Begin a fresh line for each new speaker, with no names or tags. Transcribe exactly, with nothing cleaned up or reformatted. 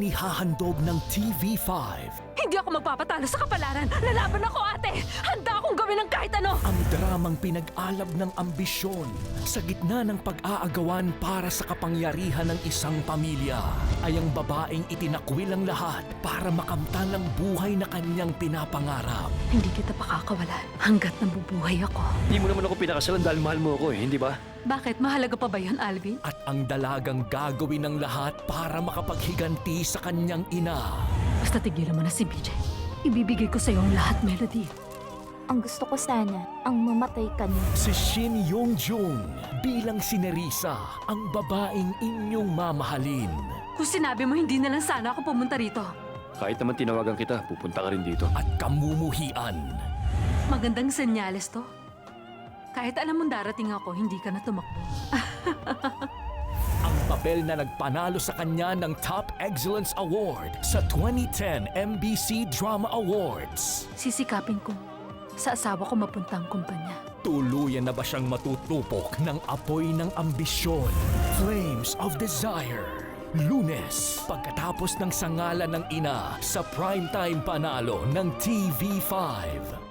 inihahandog ng T V five.
Hindi ako magpapatalo sa kapalaran. Lalaban ako, ate. Handa akong gawin ng kahit ano.
Ang dramang pinag-alab ng ambisyon sa gitna ng pag-aagawan para sa kapangyarihan ng isang pamilya ay ang babaeng itinakwil ang lahat para makamtan ang buhay na kanyang pinapangarap.
Hindi kita pakakawalan hanggat nabubuhay ako.
Hindi mo naman ako pinakasalan dahil mahal mo ako eh, hindi ba?
Bakit? Mahalaga pa ba yun, Alvin?
At ang dalagang gagawin ng lahat para makapaghiganti sa kanyang ina.
Basta tigilan mo na si B J. Ibibigay ko sa iyo ang lahat, Melody.
Ang gusto ko sana, ang mamatay ka niya.
Si Shin Yong-jung bilang si Nerissa, ang babaeng inyong mamahalin.
Kung sinabi mo hindi na lang sana ako pumunta rito.
Kahit naman tinawagan kita, pupunta ka rin dito.
At kamumuhian.
Magandang senyales to. Kahit alam mong darating ako, hindi ka na tumakbo.
Ang papel na nagpanalo sa kanya ng Top Excellence Award sa twenty ten M B C Drama Awards.
Sisikapin ko sa asawa ko mapunta ang kumpanya.
Tuluyan na ba siyang matutupok ng apoy ng ambisyon? Flames of Desire. Lunes, pagkatapos ng sangalan ng ina sa primetime panalo ng T V five.